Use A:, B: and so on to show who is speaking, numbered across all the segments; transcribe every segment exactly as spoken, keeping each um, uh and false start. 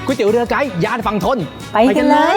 A: ก๋วยเตี๋ยวเรือไกด์ย่านฝั่งทน
B: ไปกันเลย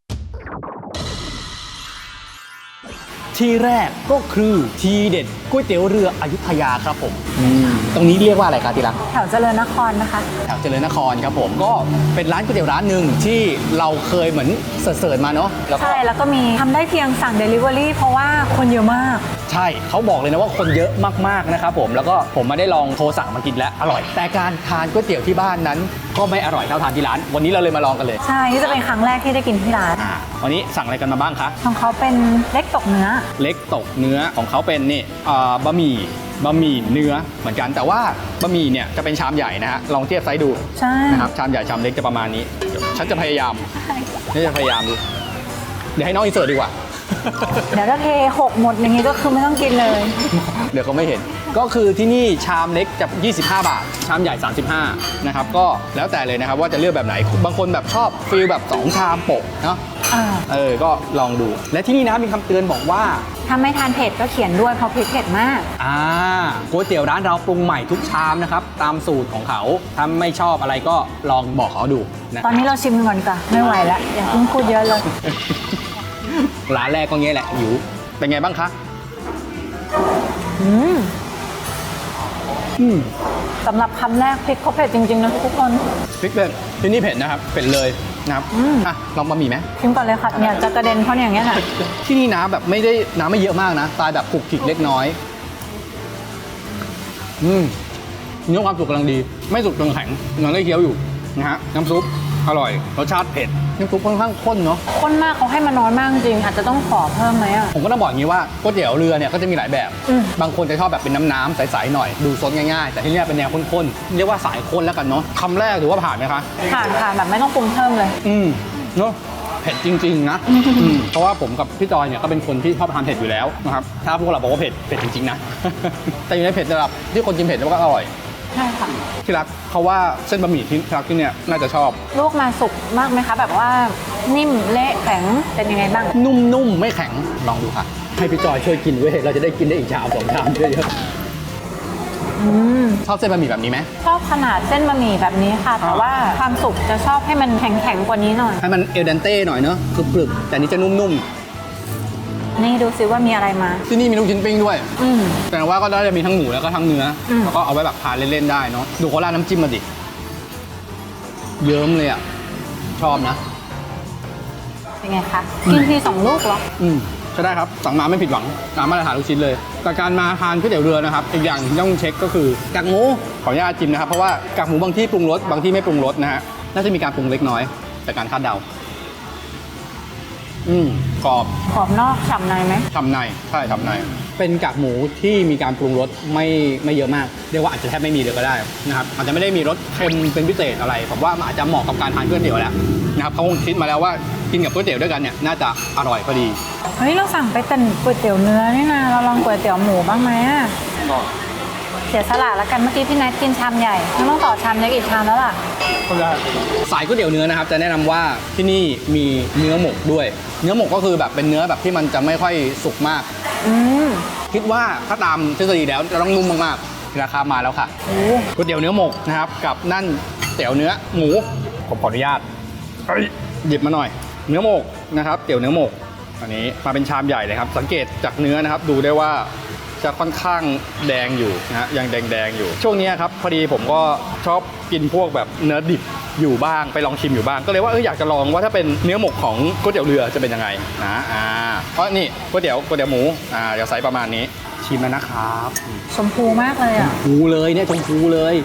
A: ที่แรกก็คือทีเด็ดก๋วยเตี๋ยวเรืออยุธยาครับผมตรงนี้เรียกว่าอะไรครับที่รัก
B: แถวเจริญนครนะคะ
A: แถวเจริญนครครับผมก็เป็นร้านก๋วยเตี๋ยวร้านหนึ่งที่เราเคยเหมือนเสิร์ชมาเนาะ
B: ใช่แล้วก็มีทำได้เพียงสั่ง Delivery เพราะว่าคนเยอะมาก
A: ใช่เขาบอกเลยนะว่าคนเยอะมากๆนะครับผมแล้วก็ผมมาได้ลองโทรสั่งมากินแล้วอร่อยแต่การทานก๋วยเตี๋ยวที่บ้านนั้นก็ไม่อร่อยเท่าทานที่ร้านวันนี้เราเลยมาลองกันเลย
B: ใช่นี่จะเป็นครั้งแรกที่ได้กินที่ร้าน
A: วันนี้สั่งอะไรกันมาบ้างคะ
B: ของเขาเป็นเล็กตกเนื้อ
A: เล็กตกเนื้อของเขาเป็นนี่บะหมี่บะหมี่เนื้อเหมือนกันแต่ว่าบะหมี่เนี่ยจะเป็นชามใหญ่นะฮะลองเทียบไซส์ดู
B: ใช่
A: นะครับชามใหญ่ชามเล็กจะประมาณนี้ฉันจะพยายามนี่จะพยายามดูเดี๋ยวให้น้องอินเสิร์ตดีกว่า
B: เดี๋ยวถ้าเทหกหมดอย่างนี้ก็คือไม่ต้องกินเลย
A: เดี๋ยวเขาไม่เห็นก็คือที่นี่ชามเล็กจะยี่สิบห้าบาทชามใหญ่สามสิบห้านะครับก็แล้วแต่เลยนะครับว่าจะเลือกแบบไหนบางคนแบบชอบฟีลแบบสองชามโปะเนาะเออก็ลองดูและที่นี่นะมีคำเตือนบอกว่า
B: ถ้าไม่ทานเผ็ดก็เขียนด้วยเพราะพริกเผ็ดมาก
A: อ่าก๋วยเตี๋ยวร้านเราปรุงใหม่ทุกชามนะครับตามสูตรของเขาถ้าไม่ชอบอะไรก็ลองบอกเขาดูนะ
B: ตอนนี้เราชิมก่อนก่อนไม่ไหวแล้วอย่าเพิ่งพูดเยอะเลย
A: ร้านแรกก็งี้แหละหิวเป็นไงบ้างคะ
B: อืมอืมสำหรับคำแรกพริกเขาเผ็ดจริงๆนะทุกคน
A: พริกเผ็ดที่นี่เผ็ดนะครับเผ็ดเลยนะครับอ่ะลองบะหมี่ไหม
B: ชิมก่อนเลยค่ะเนี่ยจะกระเด็นเพราะอย่างเงี้ยค่ะ
A: ที่นี่น้ำแบบไม่ได้น้ำไม่เยอะมากนะตายแบบขลุกขลิกเล็กน้อยอืมเนื้อความสุกกำลังดีไม่สุกจนแข็งยังได้เคี้ยวอยู่นะฮะน้ำซุปอร่อยรสชาติเผ็ดน้ำซุปค่อนข้างข้นเนาะ
B: ข้นมากเขาให้มาน้อยมากจริงอาจจะต้องขอเพิ่มไหมอ่ะ
A: ผมก็ต้องบอกอย่างนี้ว่าก๋วยเตี๋ยวเรือเนี่ยก็จะมีหลายแบบบางคนจะชอบแบบเป็นน้ำๆใสๆหน่อยดูซดง่ายๆแต่ที่นี่เป็นแนวข้นๆเรียกว่าสายข้นแล้วกันเนาะคำแรกถือว่าผ่านไหมคะ
B: ผ่านผ่านแบบไม่ต้องปรุงเพิ่มเลย
A: อืมเนาะเผ็ดจริงๆนะเพราะว่าผมกับพี่จอยเนี่ยก็เป็นคนที่ชอบทานเผ็ดอยู่แล้วนะครับถ้าพวกเราบอกว่าเผ็ดเผ็ดจริงๆนะแต่อยู่ในเผ็ดระดับที่คนกินเผ็ดแล้วก็อร่อย
B: ใช่ค่ะ
A: ที่รักเขาว่าเส้นบะหมี่ที่รักที่เนี่ยน่าจะชอบ
B: ลวกมาสุกมากไหมคะแบบว่านิ่มเละแข็งเป็นยังไงบ้าง
A: นุ่มๆไม่แข็งลองดูค่ะให้พี่จอยช่วยกินเว้ยเราจะได้กินได้อีกชามสองชามเยอะๆชอบเส้นบะหมี่แบบนี้ไหม
B: ชอบขนาดเส้นบะหมี่แบบนี้ค่ะแต่ว่าความสุกจะชอบให้มันแข็งๆกว่านี้หน่อย
A: ให้มันเอลเดนเต้หน่อยเนอะกรึบๆแต่นี้จะนุ่มๆ
B: นี่ดูซิว่ามีอะไรมา
A: ที่นี่มีลูกชิ้นปิ้งด้วยแต่ว่าก็ได้จะมีทั้งหมูแล้วก็ทั้งเนื้อแล้วก็เอาไว้แบบทานเล่นๆได้เนาะดูเขาราดน้ำจิ้มมาดิเยิ้มเลยอ่ะชอบนะ
B: เป็นไงคะกินทีสองลูกเหรอ
A: อืมก็ได้ครับสั่งมาไม่ผิดหวังตามมาตรฐานลูกชิ้นเลยแต่การมาทานก๋วยเตี๋ยวเรือนะครับอีกอย่างที่ต้องเช็คก็คือกากหมูขออนุญาตจิ้มนะครับเพราะว่ากากหมูบางที่ปรุงรสบางที่ไม่ปรุงรสนะฮะน่าจะมีการปรุงเล็กน้อยแต่การคาดเดาอืมกรอบ
B: กรอบนอกฉ่ำในไหม
A: ฉ่ำในใช่ฉ่ำในเป็นกากหมูที่มีการปรุงรสไม่ไม่เยอะมากเรียกว่าอาจจะแทบไม่มีเลยก็ได้นะครับอาจจะไม่ได้มีรสเค็มเป็นพิเศษอะไรผมว่าอาจจะเหมาะกับการทานก๋วยเตี๋ยวแล้วนะครับเขาคงคิดมาแล้วว่ากินกับก๋วยเตี๋ยวด้วยกันเนี่ยน่าจะอร่อยพอดี
B: เฮ้ยเราสั่งไปแต่ก๋วยเตี๋ยวเนื้อนี่นะเราลองก๋วยเตี๋ยวหมูบ้างไหมเสียสละแล้วกันเมื่อกี้พี่นัทกินชามใหญ่ไม่ต้องต่อชามเล็กอีกชามแล้วล่ะ
A: สายก๋วยเตี๋ยวเนื้อนะครับจะแนะนำว่าที่นี่มีเนื้อหมกด้วยเนื้อหมกก็คือแบบเป็นเนื้อแบบที่มันจะไม่ค่อยสุกมากคิดว่าถ้าตามทฤษฎีแล้วจะต้องนุ่มมากๆราคามาแล้วค่ะก๋วยเตี๋ยวเนื้อหมกนะครับกับนั่นเตี๋ยวเนื้อหมูผมขออนุญาตหยิบมาหน่อยเนื้อหมกนะครับเตี๋ยวเนื้อหมกอันนี้มาเป็นชามใหญ่เลยครับสังเกตจากเนื้อนะครับดูได้ว่าจะค่อนข้างแดงอยู่นะฮะยังแดงๆอยู่ช่วงนี้ครับพอดีผมก็ชอบกินพวกแบบเนื้อดิบอยู่บ้างไปลองชิมอยู่บ้างก็เลยว่าเอออยากจะลองว่าถ้าเป็นเนื้อหมกของก๋วยเตี๋ยวเรือจะเป็นยังไงนะอ่าเพราะนี่ก๋วยเตี๋ยวก๋วยเตี๋ยวหมูอ่าเดี๋ยวใส่ประมาณนี้ชิมแล้วนะครับ
B: ชมพูมากเลยอ่ะ
A: ชมพูเลยเนี่ยชมพูเลย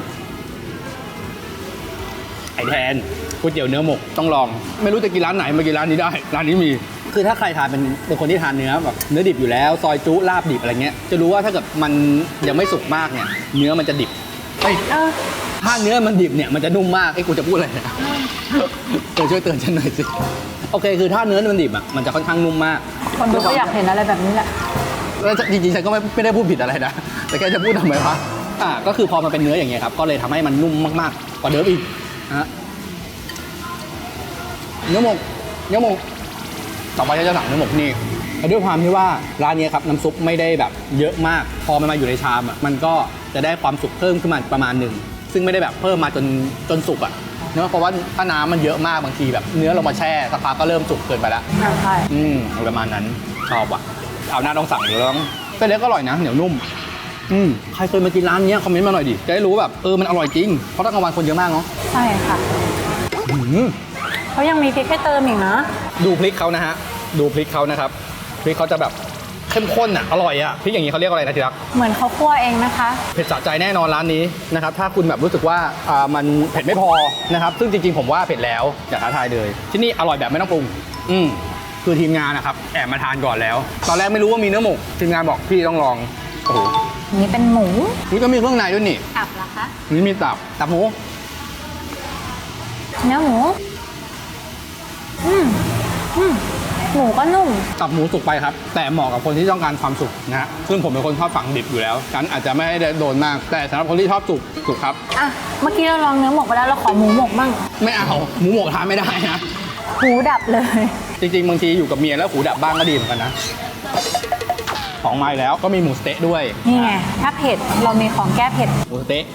A: ไอแทนก๋วยเตี๋ยวเนื้อหมกต้องลองไม่รู้จะกินร้านไหนมากินร้านนี้ได้ร้านนี้มีคือถ้าใครทานเป็นเป็นคนที่ทานเนื้อแบบเนื้อดิบอยู่แล้วซอยจุลาบดิบอะไรเงี้ยจะรู้ว่าถ้าเกิดมันยังไม่สุกมากเนี่ยเนื้อมันจะดิบเฮ้ยถ้าเนื้อมันดิบเนี่ยมันจะนุ่มมากไอ้กูจะพูดอะไรเนี่ยเตือนช่วยเตือนฉันหน่อยสิโอเคคือถ้าเนื้อมันดิบอ่ะมันจะค่อนข้างนุ่มมาก
B: คนดูก็อยากเห็นอะไรแบบนี้แหละ
A: แล้วจริงๆฉันก็ไม่ไม่ได้พูดผิดอะไรนะแต่แค่จะพูดทำไมวะอ่าก็คือพอมันเป็นเนื้ออย่างเงี้ยครับก็เลยทำให้มันนุ่มมากๆกว่าเดิมอีกนะเนื้อหมกเนื้อหมกต่อไปจะสั่งเนื้อหมกนี่ด้วยความที่ว่าร้านนี้ครับน้ำซุปไม่ได้แบบเยอะมากพอมันมาอยู่ในชามอ่ะมันก็จะได้ความสุกเพิ่มขึ้นมาประมาณหนึ่งซึ่งไม่ได้แบบเพิ่มมาจนจนสุกอ่ะเนื้อเพราะว่าถ้าน้ำมันเยอะมากบางทีแบบเนื้อเรามาแช่สักพักก็เริ่มสุกเกินไปแล้ว
B: ใช่
A: อืมประมาณนั้นชอบว่ะเอาหน้าต้องสั่งอยู่แล้วเส้นเล็กก็อร่อยนะเหนียวนุ่มอืมใครเคยมากินร้านเนี้ยคอมเมนต์มาหน่อยดิจะได้รู้แบบเออมันอร่อยจริงเพราะตอนกลางวันคนเยอะมากเนาะ
B: ใช่ค่ะ
A: อืม
B: เขายังมีพริกให้เติมอีกนะ
A: ดูพริกเขานะฮะดูพริกเขานะครับพริกเขาจะแบบเข้มข้นอ่ะอร่อยอ่ะพริกอย่างนี้เขาเรียกอะไรนะทีรัก
B: เหมือนเขาคั่วเองนะคะ
A: เผ็ดสะใจแน่นอนร้านนี้นะครับถ้าคุณแบบรู้สึกว่าอ่ามันเผ็ดไม่พอนะครับซึ่งจริงๆผมว่าเผ็ดแล้วอย่าท้าทายเลยที่นี่อร่อยแบบไม่ต้องปรุงอืมคือทีมงานนะครับแอบมาทานก่อนแล้ว ตอนแรกไม่รู้ว่ามีเนื้อหมกทีมงานบอกพี่ต้องลองโอ้โห
B: นี่เป็นหมู
A: นี่ก็มีเครื่องในด้วยนี่
B: ตับเหรอคะ
A: นี่มีตับตับหมู
B: เนื้อหมู อืมอืมหมูก็นุ่ม
A: ตับหมูสุกไปครับแต่เหมาะกับคนที่ต้องการความสุกนะฮะซึ่งผมเป็นคนชอบฝังดิบอยู่แล้วกันอาจจะไม่ได้โดนมากแต่สำหรับคนที่ชอบสุกสุกครับ
B: อ่ะ เมื่อกี้เราลองเนื้อหมกไปแล้วเราขอหมูหมกบ้าง
A: ไม่เอาหมูหมกทานไม่ได้นะ
B: หูดับเลย
A: จริงๆบางทีอยู่กับเมียแล้วหูดับบ้างก็ดีเหมือนกันนะของมาอีกแล้วก็มีหมูสเต๊ะด้วย
B: นี่ไง ถ้าเผ็ดเรามีของแก้เผ็ด
A: หมูสเต๊ะ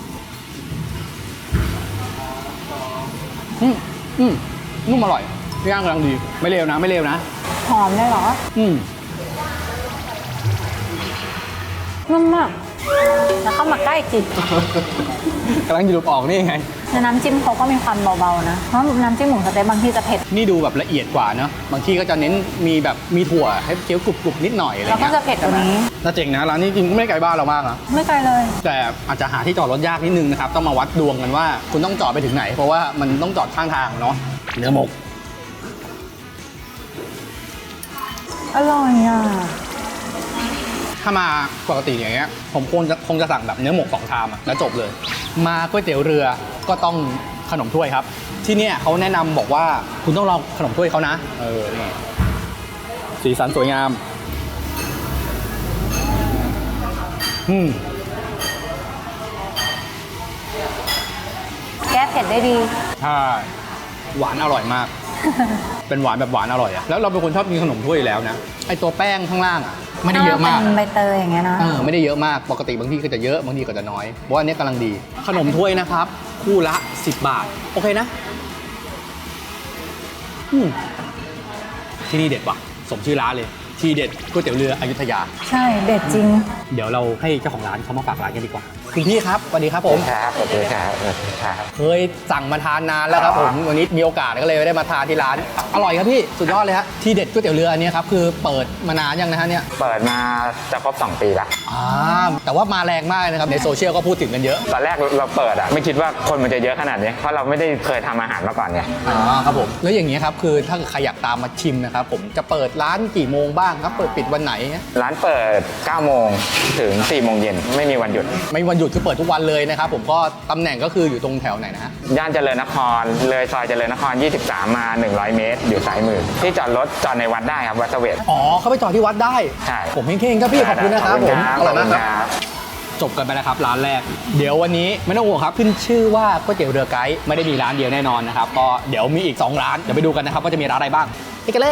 A: อืมอืมนุ่มอร่อยย่างกำลังดีไม่เลวนะไม่เลวนะ
B: หอมได้เหรอ
A: อืม
B: นุ่มมาก แล้วเข้ามาใกล้จิต
A: กำลังจะดูดออกนี่ไง
B: แล้วน้ำจิ้มเขาก็มีความเบาๆนะ เพราะน้ำจิ้มหมูสะเต๊ะบางที่จะเผ็ด
A: นี่ดูแบบละเอียดกว่าเนอะบางที่ก็จะเน้นมีแบบมีถั่วให้เคี้ยวกรุบๆนิดหน่อยอะไร
B: แล้วก็
A: เงี้ย
B: จะเผ็ดกว่านี้
A: น่าเจ๋งนะร้านนี้จริงก็ไม่ไกลบ้านเรามากนะ
B: ไม่ไกลเลย
A: แต่อาจจะหาที่จอดรถยากนิดนึงนะครับต้องมาวัดดวงกันว่าคุณต้องจอดไปถึงไหน เพราะว่ามันต้องจอดข้างทางเนาะเนื้อหมก
B: อร่อยอ่ะ
A: ถ้ามาปกติอย่างเงี้ยผมคงจะคงจะสั่งแบบเนื้อหมกสองชามอะแล้วจบเลย มาก๋วยเตี๋ยวเรือก็ต้องขนมถ้วยครับ ที่เนี่ยเขาแนะนำบอกว่าคุณต้องลองขนมถ้วยเขานะเออนี่สีสันสวยงามอืม
B: แก้เผ็ดได้ดี
A: ใช่หวานอร่อยมาก เป็นหวานแบบหวานอร่อยอะแล้วเราเป็นคนชอบกินขนมถ้วยอยู่แล้วนะไอตัวแป้งข้างล่างอะไม่ได้เยอะมาก
B: เป็นใบเตยอย่างเงี้ยนะ
A: เออไม่ได้เยอะมากปกติบางที่ก็จะเยอะบางทีก็จะน้อยเพราะว่าอันนี้กำลังดี ขนมถ้วยนะครับ คู่ละสิบบาท โอเคนะอืมที่นี่เด็ดว่ะสมชื่อร้านเลย ทีเด็ดก๋วยเตี๋ยวเรืออยุธยา
B: ใช่ เด็ดจริง
A: เดี๋ยวเราให้เจ้าของร้านเขามาฝากร้านกันดีกว่าคุณพี่ครับสวัสดีครับผม
C: ครับสวัสดีครับสวัสดีครับ
A: เคยสั่งมาทานนานแล้วครับผมวันนี้มีโอกาสก็เลยได้มาทานที่ร้านอร่อยครับพี่สุดยอดเลยฮะที่เด็ดก๋วยเตี๋ยวเรืออันนี้ครับคือเปิดมานานยังนะฮะเนี่ย
C: เปิดมาจะครบสองปีละ
A: อ่าแต่ว่ามาแรงมากนะครับในโซเชียลก็พูดถึงกันเยอะ
C: ตอนแรกเราเปิดอะไม่คิดว่าคนมันจะเยอะขนาดนี้ เพราะเราไม่ได้เคยทำอาหารมาก่อนไง
A: อ๋อครับผมแล้วอย่างนี้ครับคือถ้าใครอยากตามมาชิมนะครับผมจะเปิดร้านกี่โมงบ้างครับเปิดปิดวันไหน
C: ร้านเปิดเก้าโมงถึงสี่โมงเย็นไม่มีวันหยุด
A: ไม่วันหยุดคือเปิดทุกวันเลยนะครับผมก็ตำแหน่งก็คืออยู่ตรงแถวไหนนะฮะ
C: ย่านเจริญนครเลยซอยเจริญนครยี่สิบสามมาหนึ่งร้อยเมตร อยู่ซ้ายมือที่จอดรถจอดในวัดได้ครับวัดเสวต
A: อ๋อเขาไปจอดที่วัดได้
C: ใช่
A: ผมเข่งๆครับพี่ขอบคุณนะครับผมอร่อยมากครับ
C: บ
A: จบกันไปแล้วครับร้านแรก เดี๋ยววันนี้ไม่ต้องห่วงครับขึ้นชื่อว่าก๋วยเตี๋ยวเรือไกด์ไม่ได้มีร้านเดียวแน่นอนนะครับก็เดี๋ยวมีอีกสองร้านเดี๋ยวไปดูกันนะครับว่าจะมีร้านอะไรบ้างไปกันเลย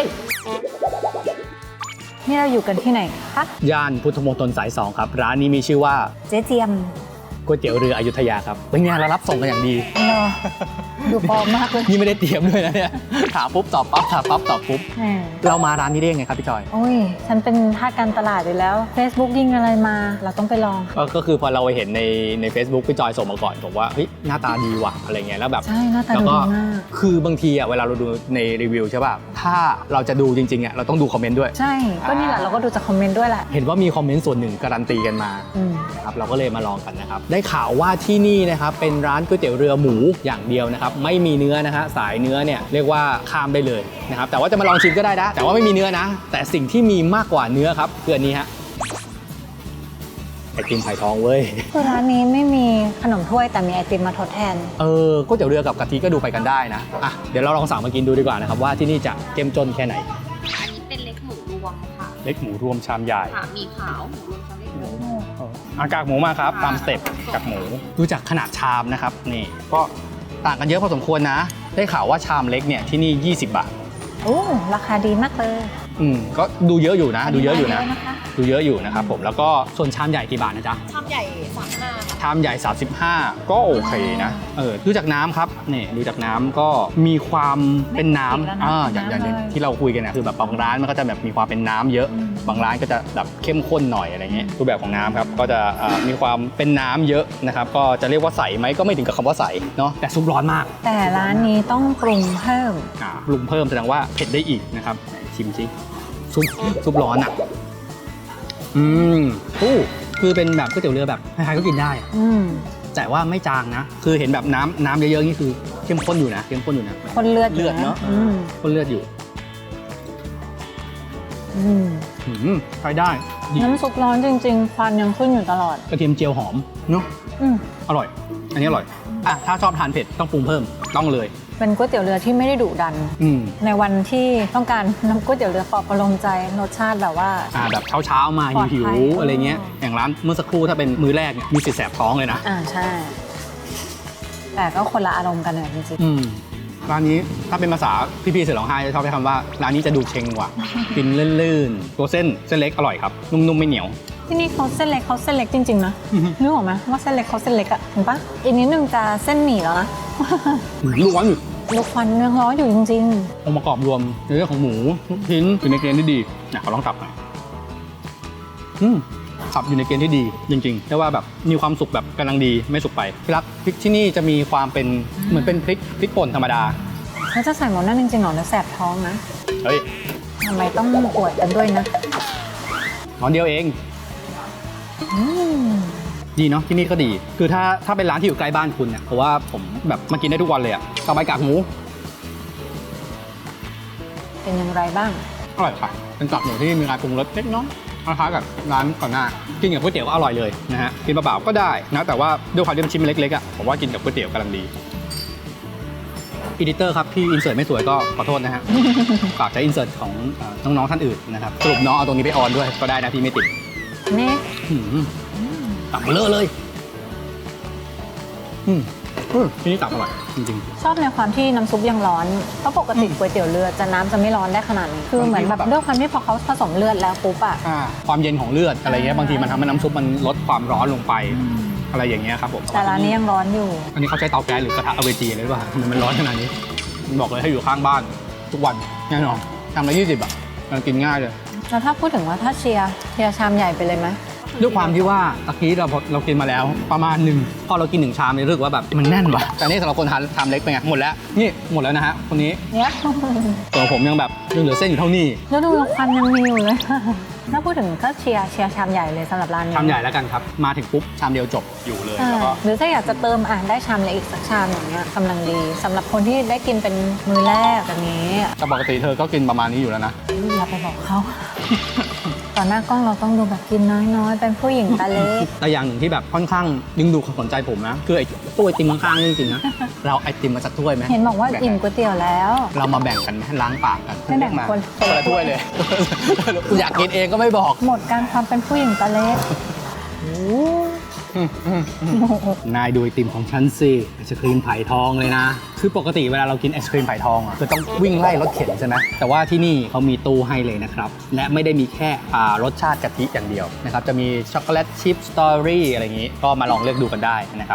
B: นี่เราอยู่กันที่ไหนคะ
A: ย่านพุทธมณฑลสายสองครับร้านนี้มีชื่อว่า
B: เจ๊เจียม
A: ก๋วยเตี๋ยวเรืออยุธยาครับเป็นไงเรารับส่งกันอย่างดี
B: เนอะดูปลอมมากเลย
A: นี่ไม่ได้เตรียมด้วยนะเนี่ยถามปุ๊บตอบปั๊บถามปั๊บตอบปุ๊บ
B: แหม
A: เรามาร้านนี้ได้ยังไงครับพี่จอย
B: โอ้ย ฉันเป็นทาสการตลาดอยู่แล้ว Facebook ยิงอะไรมา เราต้องไปลอง
A: ก็ก็คือพอเราเห็นในใน Facebook พี่จอยส่งมาก่อนบอกว่าเฮ้ยหน้าตาดีว่ะอะไรเงี้ยแล้วแบบ
B: ใช่หน้าตา
A: แล้ว
B: ดู
A: ก็
B: ดีมาก
A: คือบางทีอ่ะเวลาเราดูในรีวิวใช่ป่ะถ้าเราจะดูจริงๆอ่ะเราต้องดูคอมเมนต์ด้วย
B: ใช่ ก็นี่แหละเราก็ดูจากคอมเมนต์ด้วยแหละ
A: เห็นว่ามีคอมเมนต์ส่วนหนึ่งการันตีกันมา
B: อืม
A: ครับเราก็เลยมาลองกันนะครับได้ข่าวว่าที่นี่นะครับเป็นร้านก๋วยเตี๋ยวเรือหมูอย่างเดียวนะครับไม่มีเนื้อนะฮะสายเนื้อเนี่ยเรียกว่าข้ามได้เลยนะครับแต่ว่าจะมาลองชิมก็ได้นะแต่ว่าไม่มีเนื้อนะ แต่สิ่งที่มีมากกว่าเนื้อครับคืออันนี้ฮะไอติมไผ่ทองเว้ย
B: คือร้านนี้ไม่มีขนมถ้วยแต่มีไอติมมาทดแทน
A: เออก๋วยเตี๋ยวเรือกับกะทิก็ดูไปกันได้นะอ่ะเดี๋ยวเราลองสั่งมากินดูดีกว่านะครับว่าที่นี่จะเจ้มจนแค่ไหน
D: อันนี้เป็นเล็กหมูรวมค่ะ
A: เล็กหมูรวมชามใหญ่
D: ค่ะมีขาวหมูรวมชามเล็กหมู
A: อากากหมูมาครับตามสเต็ปกากหมูดูจากขนาดชามนะครับนี่ก็ต่างกันเยอะพอสมควรนะ ได้ข่าวว่าชามเล็กเนี่ยที่นี่ยี่สิบบาท
B: โอ้ราคาดีมากเลย
A: อืมก็ดูเยอะอยู่นะ ดูเยอะอยู่นะ
B: เยอะนะคะ
A: ดูเยอะอยู่นะครับผมแล้วก็ส่วนชามใหญ่กี่บาทนะจ๊ะ
D: ชามใหญ่สามห้าค่ะ
A: ชามใหญ่ สามสิบห้า ก็โอเคนะเออดูจากน้ำครับนี่ดูจากน้ำก็มีความเป็นน้ำอ่าอย่างอย่างอย่างที่เราคุยกันนะคือแบบบางร้านมันก็จะแบบมีความเป็นน้ำเยอะ บางร้านก็จะแบบเข้มข้นหน่อยอะไรเงี้ยรูปแบบของน้ำครับก็จะอ่ามีความเป็นน้ำเยอะนะครับก็จะเรียกว่าใสไหมก็ไม่ถึงกับคำว่าใสเนาะแต่ซุปร้อนมาก
B: แต่ร้านนี้ต้องปรุงเพิ่ม
A: อ่าปรุงเพิ่มแสดงว่าเผ็ดได้อีกนะครับไหนชิมสิซุปซุปร้อนอ่ะอืมโอ้คือเป็นแบบก๋วยเตี๋ยวเรือแบบใครๆก็กินได้อะ
B: อืม
A: แต่ว่าไม่จางนะ คือเห็นแบบน้ำน้ำเยอะๆนี่คือเข้มข้นอยู่นะเข้มข้นอยู่นะ
B: คนเลือด
A: เลือดเนอะ
B: อืม
A: ข้นเลือดอยู่
B: อืม
A: หืมใช้ได้ดี
B: น้ำซุปร้อนจริงๆ ควันยังขึ้นอยู่ตลอด
A: กระเทียมเจียวหอมเนาะ
B: อืม
A: อร่อย อันนี้อร่อยอ่ะถ้าชอบทานเผ็ดต้องปรุงเพิ่มต้องเลย
B: เป็นก๋วยเตี๋ยวเรือที่ไม่ได้ดุดัน
A: อืม
B: ในวันที่ต้องการน้ำก๋วยเตี๋ยวเรือปลอบประโลมใจรสชาติแบบว่า
A: อ่าแบบเช้าๆมา
B: ปลอดภัย
A: หิวๆอะไรเงี้ยอย่างร้านเมื่อสักครู่ถ้าเป็นมื้อแรกเนี่ยมีสิทธิ์แสบท้องเลยนะ
B: อ่าใช่ แต่ก็คนละอารมณ์กันเนี่ยจริง
A: อืมร้านนี้ถ้าเป็นภาษาพี่ๆเสือร้องไห้จะชอบใช้คำว่าร้านนี้จะดูเชงกว่า กินลื่นๆตัวเส้นเส้นเล็กอร่อยครับนุ่มๆไม่เหนียว
B: ๆ ที่นี่เขาเส้นเล็กเขาเส้นเล็กจริงๆนะ
A: อือฮึ
B: นึกออกไหมว่าเส้นเล็กเขาเส้นเล็กอะเห็นปะอีกนิดนึงจะเส้นหมี่แล้วนะ
A: ลูกร้อนอยู่
B: ลูกควันยังร้อนอยู่จริง
A: องค์ประกอบรวมในเรื่องของหมูลูกชิ้นอยู่ในเกณฑ์ที่ดีนะขอลองสับหน่อยอืมสับอยู่ในเกณฑ์ที่ดีจริงๆแต่ว่าแบบมีความสุกแบบกำลังดีไม่สุกไปพี่รักพริกที่นี่จะมีความเป็นเหมือนเป็นพริกพริกป่นธรรมดา
B: ๆเขาจะใส่หมดนั่นจริงๆเหรอแล้วแสบท้องนะ
A: เฮ้ย
B: ทำไมต้องอวดกันด้วยนะ
A: ร้อนเดียวเอง
B: อืม
A: ดีเนาะที่นี่ก็ดี คือถ้าถ้าเป็นร้านที่อยู่ใกล้บ้านคุณเนี่ยเพราะว่าผมแบบมากินได้ทุกวันเลยอะต่อไปกากหมู
B: เป็นอย่างไรบ้าง
A: อร่อยค่ะเป็นกากหมูที่มีการปรุงรสเล็กน้อยคล้ายๆกับร้านก่อนหน้ากินกับก๋วยเตี๋ยวก็อร่อยเลยนะฮะกินเปล่าๆก็ได้นะแต่ว่าด้วยความที่มันชิ้นเล็กๆอะผมว่ากินกับก๋วยเตี๋ยวกำลังดีอีดิเตอร์ครับที่อินเสิร์ตไม่สวยก็ขอโทษนะฮะ ฝากใช้อินเสิร์ตของเอ่อน้องๆท่านอื่นนะครับสรุปน้องเอาตรงนี้ไปออนด้วยก็ได้นะพี่ไม่ติด
B: นี่
A: หืมตักเบลอเลยอืมอืมที่นี่ตักอร่อยจริง
B: ชอบในความที่น้ำซุปยังร้อน เพราะปกติก๋วยเตี๋ยวเรือจะน้ำจะไม่ร้อนได้ขนาดนี้ คือเหมือนแบบด้วยความที่พอเขาผสมเลือดแล้วปุ๊บอะ
A: ๆอ่าความเย็นของเลือดอะไรเงี้ยบางทีมันทำให้น้ำซุปมันลดความร้อนลงไปอะไรอย่างเงี้ยครับผม
B: แต่ร้านนี้ยังร้อนอยู่
A: อันนี้เขาใช้เตาแก๊สหรือกระทะอเวจีเลยหรือเปล่าทำไมมันร้อนขนาดนี้บอกเลยให้อยู่ข้างบ้านทุกวันแน่นอนทำละยี่สิบอ่ะมันกินง่ายเลย
B: แล้วถ้าพูดถึงว่าถ้าเชียร์เชียร์ชามใหญ่ไปเลยไหม
A: ด้วยความที่ว่าตะกี้เราเรากินมาแล้วประมาณหนึ่งพอเรากินหนึ่งชามเนี่ยรู้สึกว่าแบบมันแน่นว่ะแต่นี่สำหรับคนทานชามเล็กเป็นไงหมดแล้วนี่หมดแล้วนะฮะคนนี้
B: เนี่ย
A: ส่วนผมยังแบบยังเหลือเส้นอยู่เท่านี้
B: แล้วดูควันยังมีอยู่เลย ถ้าพูดถึงก็เชียร์เชียร์ชามใหญ่เลยสำหรับร้านนี้
A: ชามใหญ่แล้วกันครับมาถึงปุ๊บชามเดียวจบอยู่เลย
B: ใช่
A: แล้วก็
B: หรือถ้าอยากจะเติมอ่ะได้ชามเล็กอีกสักชามอย่างเงี้ยกำลังดีสำหรับคนที่ได้กินเป็นมื้อแรกแบบนี้
A: แต่ปกติเธอก็กินประมาณนี้อยู่แล้วนะ
B: อย่าไปบอกเขา ต่อหน้ากล้องเราต้องดูแบบกินน้อยๆ เป็นผู้หญิงตาเล็ก
A: แต่อย่างหนึ่งที่แบบค่อนข้างดึงดูดความสนใจผมนะคือไอ้ตู้ไอติมข้างๆนี่จริงๆนะเราไอติมมาสักถ้วยไหม
B: เห็นบอกว่าอิ่มก๋วยเตี๋ยวแล้ว
A: เรามาแบ่งกันไหมล้างปากกัน
B: ไม่แบ่ง
A: มา
B: คน
A: คนละถ้วยเลย อยากกินเองก็ไม่บอก
B: หมดการความเป็นผู้หญิงตาเล็ก
A: นายดูไอติมของฉันสิไอศครีมไผ่ทองเลยนะ คือปกติเวลาเรากินไอศครีมไผ่ทองอ่ะคือต้องวิ่งไล่รถเข็นใช่ไหมแต่ว่าที่นี่เขามีตู้ให้เลยนะครับ และไม่ได้มีแค่อ่ารสชาติกะทิอย่างเดียวนะครับ จะมีช็อกโกแลตชิพสตรอเบอรี่อะไรอย่างนี้ ก็มาลองเลือกดูกันได้นะครับ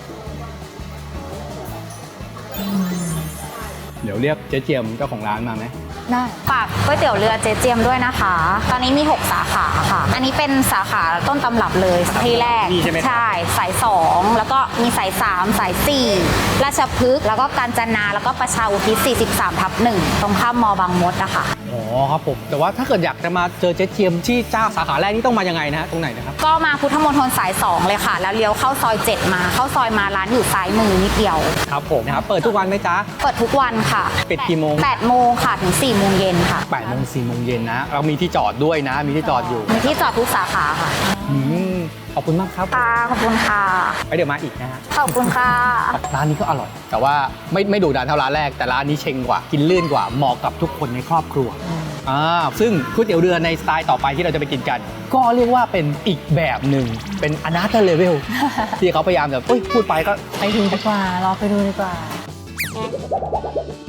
A: เดี๋ยวเรียกเจ๊เจียมเจ้าของร้านมาไหม
B: ได้
D: ฝากก๋วยเตี๋ยวเรือเจเจียมด้วยนะคะ ตอนนี้มีหกสาขาค่ะ อันนี้เป็นสาขาต้นตำรับเลยที่แรก
A: นี่ใช่ไหมครับ
D: ใช่สายสองแล้วก็มีสายสามสายสี่ราชพฤกษ์แล้วก็กาญจนาแล้วก็ประชาอุทิศสี่สิบสามทับหนึ่งตรงข้ามมอบางมดนะคะ
A: อ๋อครับผมแต่ว่าถ้าเกิดอยากจะมาเจอเจ๊เจียมที่เจ้าสาขาแรกนี่ต้องมายังไงนะฮะตรงไหนนะครับ
D: ก็มาพุทธมณฑลสายสองเลยค่ะ แล้วเลี้ยวเข้าซอยเจ็ดมาเข้าซอยมาร้านอยู่ซ้ายมือนิดเดียว
A: ครับผมนะครับเปิดทุกวันไหมจ๊ะ
D: เปิดทุกวันค่ะ
A: ปิดกี่โมง
D: แปดโมงค่ะถึงสี่โมงเย็นค่ะ
A: แปดโมงสี่โมงเย็นนะ เรามีที่จอดด้วยนะ มีที่จอดอยู่
D: มีที่จอดทุกสาขาค่ะ
A: อืมขอบคุณมากครับ
D: ค่ะขอบคุณค่ะ
A: ไปเดี๋ยวมาอีกนะฮะ
D: ขอบคุณค่ะ
A: ร้านนี้ก็อร่อย แต่ว่าไม่ไม่ดุดันเท่าร้านแรก แต่ร้านนี้เชงกว่า กินลื่นกว่า เหมาะกับทุกคนในครอบครัว อ่า ซึ่งก๋วยเตี๋ยวเรือในสไตล์ต่อไปที่เราจะไปกินกัน ก็เรียกว่าเป็นอีกแบบหนึ่ง เป็น another level ที่เขาพยายามแบบเอ้ยพูดไปก็
B: ไปดูดีกว่า รอไปดูดีกว่า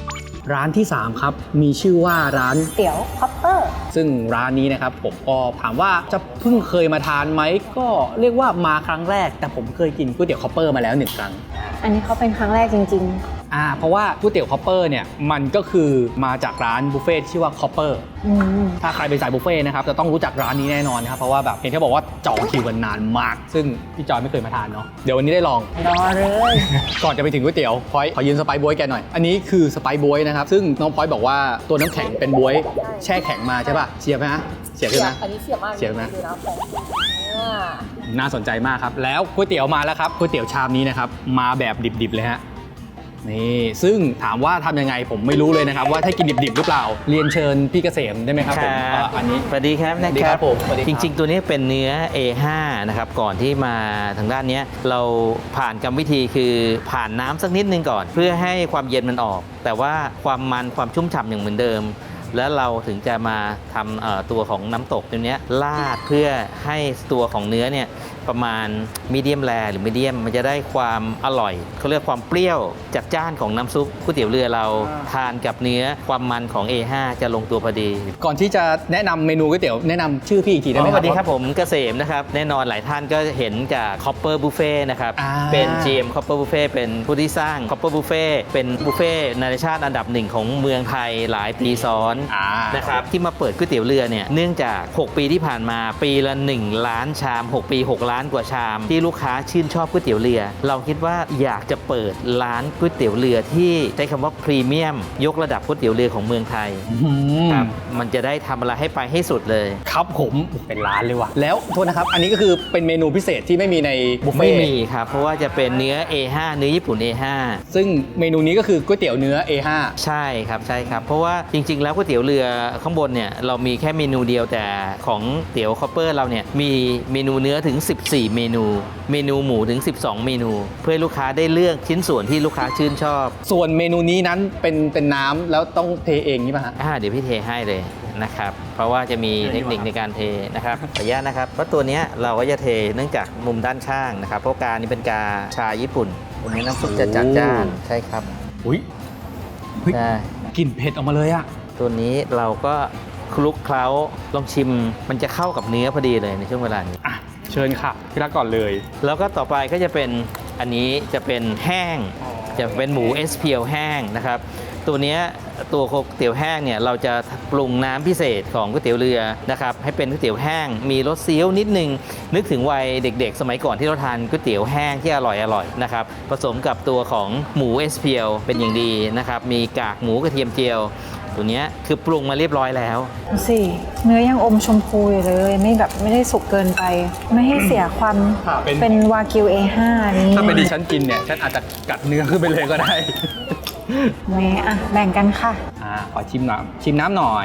A: ร้านที่สามครับมีชื่อว่าร้าน
B: เตี๋ยวคอปเปอร์
A: ซึ่งร้านนี้นะครับผมก็ถามว่าจะเพิ่งเคยมาทานไหมก็เรียกว่ามาครั้งแรกแต่ผมเคยกินก๋วยเตี๋ยวคอปเปอร์มาแล้วหนึ่งครั้ง
B: อันนี้เขาเป็นครั้งแรกจริง
A: อ่าเพราะว่าก๋วยเตี๋ยวคอปเปอร์เนี่ยมันก็คือมาจากร้านบุฟเฟ่ที่ชื่อว่าคอปเปอร์
B: ๆ อืม
A: ถ้าใครเป็นสายบุฟเฟ่นะครับจะต้องรู้จักร้านนี้แน่นอนนะครับเพราะว่าแบบเห็นเขาบอกว่าจองคิวกันนานมาก ซึ่งพี่จอยไม่เคยมาทานเนาะเดี๋ยววันนี้ได้ลอง
B: รอเลย
A: ก่อนจะไปถึงก๋วยเตี๋ยวพอยขอยืนสไปซ์บ๊วยแกหน่อยอันนี้คือสไปซ์บ๊วยนะครับซึ่งน้องพอยบอกว่าตัวน้ำแข็งเป็นบ๊วยแช่แข็งมาใช่ป่ะเสียบไหมฮะเสียบใช่ไหม
E: อันนี้เสียบมาก
A: เสียบไหม
E: ดูนะของอ่า
A: น่าสนใจมากครับแล้วก๋วยเตี๋ยวมาแล้วครับก๋วยเตี๋ยวชามนี้นะครับมาแบบดิบๆเลยฮะนี่ซึ่งถามว่าทำยังไงผมไม่รู้เลยนะครับว่าถ้ากินดิบๆหรือเปล่าเรียนเชิญพี่เกษมได้ไหมครับผมอ่าอันนี้
F: สวัสดีครับ
A: สวัสดี
F: นะ
A: ค
F: ค
A: รั
F: รั
A: บบ ผมสวัสดีครับ
F: จริง ๆ ตัวนี้เป็นเนื้อ เอ ห้า นะครับก่อนที่มาทางด้านเนี้ยเราผ่านกรรมวิธีคือผ่านน้ำสักนิดนึงก่อน เพื่อให้ความเย็นมันออก แต่ว่าความมันความชุ่มฉ่ำอย่างเหมือนเดิม แล้วเราถึงจะมาทำเอ่อตัวของน้ำตกตัวเนี้ยราดเพื่อให้ตัวของเนื้อเนี่ยประมาณมีเดียมแรหรือมีเดียมมันจะได้ความอร่อยเขาเรียกความเปรี้ยวจัดจ้านของน้ำซุปก๋วยเตี๋ยวเรือเราทานกับเนื้อความมันของ เอ ห้า จะลงตัวพอดี
A: ก่อนที่จะแนะนำเมนูก๋วยเตี๋ยวแนะนำชื่อพี่อีกทีได้ไหม
F: ส
A: ครั
F: วั
A: บ
F: สดีครับผมเกษมนะครับแน่นอนหลายท่านก็เห็นจาก Copper Buffet นะครับ
A: อ่า
F: เป็น จี เอ็ม Copper Buffet เป็นผู้ที่สร้าง Copper Buffet เป็นบุฟเฟ่นานาชาติอันดับหนึ่งของเมืองไทยหลายปีซ้อน
A: อ่า
F: นะครับที่มาเปิดก๋วยเตี๋ยวเรือเนี่ยเนื่องจาก หก ปีที่ผ่านมาปีละหนึ่งล้านชาม หก ปี หก ล้านกว่าชาม ที่ลูกค้าชื่นชอบก๋วยเตี๋ยวเรือ เราคิดว่าอยากจะเปิดร้านก๋วยเตี๋ยวเรือที่ใช้คำว่าพรีเมียมยกระดับก๋วยเตี๋ยวเรือของเมืองไทย
A: อืม
F: ครับมันจะได้ทำอะไรให้ไปให้สุดเลย
A: ครับผมเป็นร้านเลยว่ะแล้วโทษนะครับ อันนี้ก็คือเป็นเมนูพิเศษที่ไม่มีในบุฟเฟ่
F: ไม่
A: ต์
F: มีครับ เพราะว่าจะเป็นเนื้อ เอ ห้า เนื้อญี่ปุ่น เอ ห้า
A: ซึ่งเมนูนี้ก็คือก๋วยเตี๋ยวเนื้อ เอ ห้า
F: ใช่ครับใช่ครับ เพราะว่าจริง ๆ แล้วก๋วยเตี๋ยวเรือข้างบนเนี่ยเรามีแค่เมนูเดียวแต่ของเตี๋ยวคอปเปอร์เราเนี่ยมีเมนูเนื้อถึง สิบสี่ เมนู เมนูหมูถึง สิบสอง เมนู เพื่อให้ลูกค้าได้เลือกชิ้นส่วนที่ลูกค้าชื่นชอบ
A: ส่วนเมนูนี้นั้นเป็นเป็นน้ำแล้วต้องเทเองนี่ป่ะฮะ
F: อ่าเดี๋ยวพี่เทให้เลยนะครับ เพราะว่าจะมีเทคนิคในการเทนะครับขออนุญาตนะครับเพราะตัวเนี้ยเราก็จะเทเนื่องจากมุมด้านข้างนะครับเพราะกานี้เป็นกาชาญี่ปุ่นตัวนี้น้ำซุปจะจัดจ้านใช่ครับ
A: อุ้ยเฮ้ย
F: ใช่
A: กลิ่นเผ็ดออกมาเลยอะ
F: ตัวนี้เราก็คลุกเคล้าลองชิมมันจะเข้ากับเนื้อพอดีเลยในช่วงเวลานี้
A: อ่ะเชิญค่ะพี่รักก่อนเลย
F: แล้วก็ต่อไปก็จะเป็นอันนี้จะเป็นแห้ง จะเป็นหมู เอส พี แอล แห้งนะครับตัวเนี้ยตัวก๋วยเตี๋ยวแห้งเนี่ยเราจะปรุงน้ำพิเศษของก๋วยเตี๋ยวเรือนะครับให้เป็นก๋วยเตี๋ยวแห้งมีรสเซี๊ยวนิดนึงนึกถึงวัยเด็กๆ สมัยก่อนที่เราทานก๋วยเตี๋ยวแห้งที่อร่อยอร่อยๆนะครับผสมกับตัวของหมู เอส พี แอล เป็นอย่างดีนะครับมีกากหมูกระเทียมเจียวตัวเนี้ยคือปรุงมาเรียบร้อยแล้ว
B: ดูสิเนื้อยังอมชมพูอยู่เลย ไม่แบบไม่ได้สุกเกินไป ไม่ให้เสียความ
A: เป็น
B: เป็นวากิว เอ ห้า นี้
A: ถ้าเป็นดิฉันกินเนี่ยฉันอาจจะกัดเนื้อขึ้นไปเลยก็ได้
B: แม่อ่ะแบ่งกันค่ะ
A: อ่าขอชิมน้ำชิมน้ำหน่อย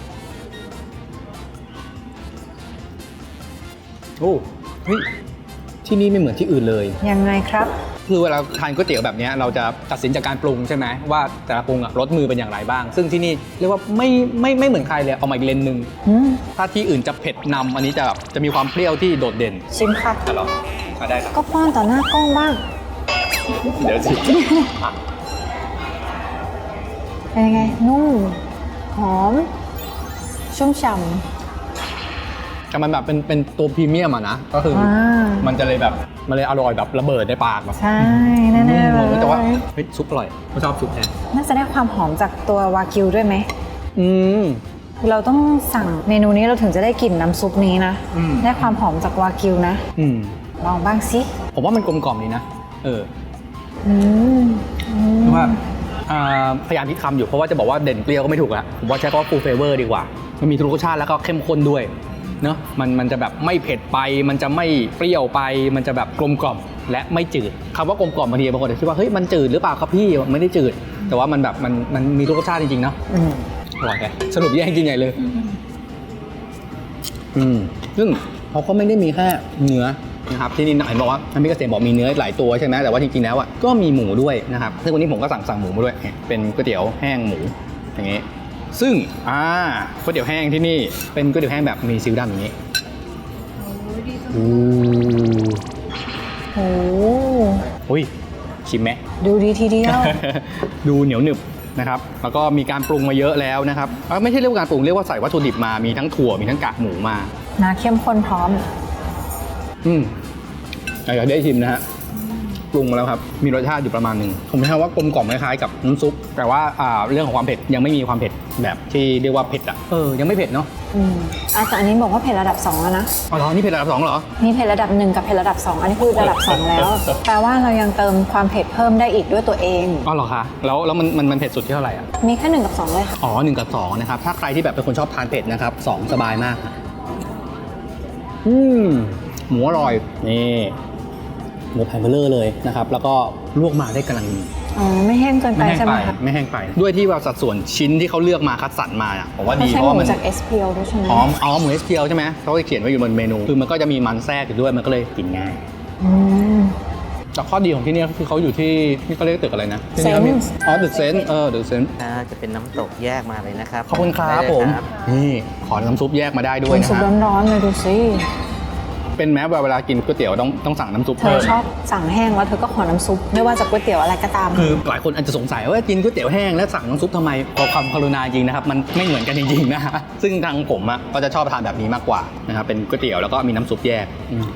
A: โอ้เฮ้ยที่นี่ไม่เหมือนที่อื่นเลย
B: ยังไงครับ
A: คือเวลาทานก๋วยเตี๋ยวแบบเนี้ยเราจะตัดสินจากการปรุงใช่ไหมว่าแต่ละปรุงอะรสมือเป็นอย่างไรบ้าง ซึ่งที่นี่เรียกว่าไม่ไม่ไม่เหมือนใครเลยเอามาอีกเลนหนึ่ง
B: อืม
A: ถ้าที่อื่นจะเผ็ดนำอันนี้จะแบบจะมีความเปรี้ยวที่โดดเด่น
B: ชิมค่ะ
A: จะลองมาได้ครับ
B: ก็ป้อนต่อหน้ากล้องบ้าง
A: เดี๋ยวสิอ่ะ
B: เป็นยังไง นุ่ม หอม ชุ่มฉ่
A: แต่มันแบบเป็นเป็นตัวพรีเมียมอะนะก็คือ
B: ำอ่า
A: มันจะเลยแบบมันเลยอร่อยแบบระเบิดในปากแบบ
B: ใช่แน่ๆเล
A: อืม
B: ย
A: แต่ว่าเฮ้ยซุปอร่อยผมชอบซุปแทน
B: น่าจะได้ความหอมจากตัววากิวด้วยไหม
A: อืม
B: เราต้องสั่งเมนูนี้เราถึงจะได้กลิ่นน้ำซุปนี้นะ
A: อืม
B: ได้ความหอมจากวากิวนะ
A: อืม
B: ลองบ้างสิ
A: ผมว่ามันกลมกล่อมดีนะเออ
B: อืมอืม
A: เพราะว่าอ่าพยายามคิดคำอยู่เพราะว่าจะบอกว่าเด่นเปรี้ยวก็ไม่ถูกละผมว่าใช้คำว่า full flavor ดีกว่า มันมีทุกรสชาติแล้วก็เข้มข้นด้วยเนาะมันมันจะแบบไม่เผ็ดไป มันจะไม่เปรี้ยวไป มันจะแบบกลมกล่อมและไม่จืดคำว่ากลมกล่อมบางทีบางคนอาจจะคิดว่าเฮ้ยมันจืดหรือเปล่าครับพี่มันไม่ได้จืด แต่ว่ามันแบบมันมันมีทุกรสชาติจริงๆเนาะ
B: อืม
A: อร่อยแฮะสรุปแย่งกินใหญ่เลย อืมซึ่งเขาก็ไม่ได้มีแค่เนื้อนะครับที่นี่เห็นบอกว่าท่านพี่เกษมบอกมีเนื้อหลายตัวใช่ไหมแต่ว่าจริงๆแล้วอ่ะก็มีหมูด้วยนะครับซึ่งวันนี้ผมก็สั่งสั่งหมูมาด้วยเนี่ยเป็นก๋วยเตี๋ยวแห้งหมูอย่างงี้ซึ่งอ่าก๋วยเตี๋ยวแห้งที่นี่เป็นก๋วยเตี๋ยวแห้งแบบมีซิลดำอย่างนี้โอ้
B: โอ้
A: อุ้ยชิมไหม
B: ดูดีทีเดียว
A: ดูเหนียวหนึบนะครับแล้วก็มีการปรุงมาเยอะแล้วนะครับเอ้ยไม่ใช่เรียกว่าการปรุงเรียกว่าใส่วัตถุดิบมามีทั้งถั่วมีทั้งกากหมูมา
B: นะเข้มข้นพร้อม
A: อืมอยากได้ชิมนะฮะปรุงมาแล้วครับมีรสชาติอยู่ประมาณหนึ่งผมใช้ว่ากลมกล่อมคล้ายๆกับน้ำซุปแต่ว่าอ่าเรื่องของความเผ็ดยังไม่มีความเผ็ดแบบที่เรียกว่าเผ็ดอ่ะเออยังไม่เผ็ดเนาะ
B: อืมอ่ะแต่อันนี้บอกว่าเผ็ดระดับสองแล้วนะ
A: อ๋อเหรอนี่เผ็ดระดับสองเหรอ
B: มีเผ็ดระดับหนึ่งกับเผ็ดระดับสองอันนี้คือระดับสองแล้ว แปลว่าเรายังเติมความเผ็ดเพิ่มได้อีกด้วยตัวเอง
A: อ๋อเหรอคะแล้วแล้วมันมันมันเผ็ดสุดที่เท่าไหร่อ่ะ
B: มีแค่หนึ่งกับสองเลยค่ะ
A: อ๋อหนึ่งกับสองนะครับถ้าใครที่แบบเป็นคนชอบทานเผ็ดนะครับสองสบายมากอืมหมูอร่อยนี่หมูแผ่นเบลเลอร์เลยนะครับแล้วก็ลวกมาได้กำลังดี
B: อ๋อไม่แห้งเกินไป
A: ไม่แห้ง
B: ใช่ไห
A: ไป
B: มคะ
A: ไม่แห้งไปด้วยที่ว่าสัดส่วนชิ้นที่เขาเลือกมาคัดสรรมาอ่ะผมว่า
B: เขา
A: ดี
B: ใช้
A: เพ
B: ห
A: ราะว่า
B: มู
A: มัน
B: จาก เอส พี แอล ด้วยใช่ไหม
A: อ๋ออ๋อหมู เอส พี แอล ใช่ไหมเขาจะเขียนไว้อยู่บนเมนูคือมันก็จะมีมันแทรกอยู่ด้วยมันก็เลยกินง่าย
B: อืม
A: แต่ข้อดีของที่นี่คือเขาอยู่ที่นี่เขาเรียกตึกอะไรนะที่นี่ขามี
B: Sense
A: อ๋อตึกเซนเออตึกเซน
F: อ่าจะเป็นน้ำตกแยกมาเลยนะครับ
A: ขอบคุณครับ
F: ได้เลย
A: ผม
F: ครับ
A: นี่ขอน้ำซุปแยกมาได้ด้วยนะ
B: น้ำซุป
A: ฮะ
B: ร้อนๆเลยดูสิ
A: เป็นแม้เวลากินก๋วยเตี๋ยวต้องต้องสั่งน้ำซุป
B: เธ
A: เพิ่
B: อ
A: ม
B: ชอบสั่งแห้งแล้วเธอก็ขอน้ำซุปไม่ว่าจะก๋วยเตี๋ยวอะไรก็ตาม
A: คือหลายคนอาจจะสงสัยว่ากินก๋วยเตี๋ยวแห้งแล้วสั่งน้ำซุปทำไมขอความกรุณาจริงนะครับมันไม่เหมือนกันจริงๆนะฮะซึ่งทางผมอ่ะก็จะชอบทานแบบนี้มากกว่านะครับเป็นก๋วยเตี๋ยวแล้วก็มีน้ำซุปแยกอืม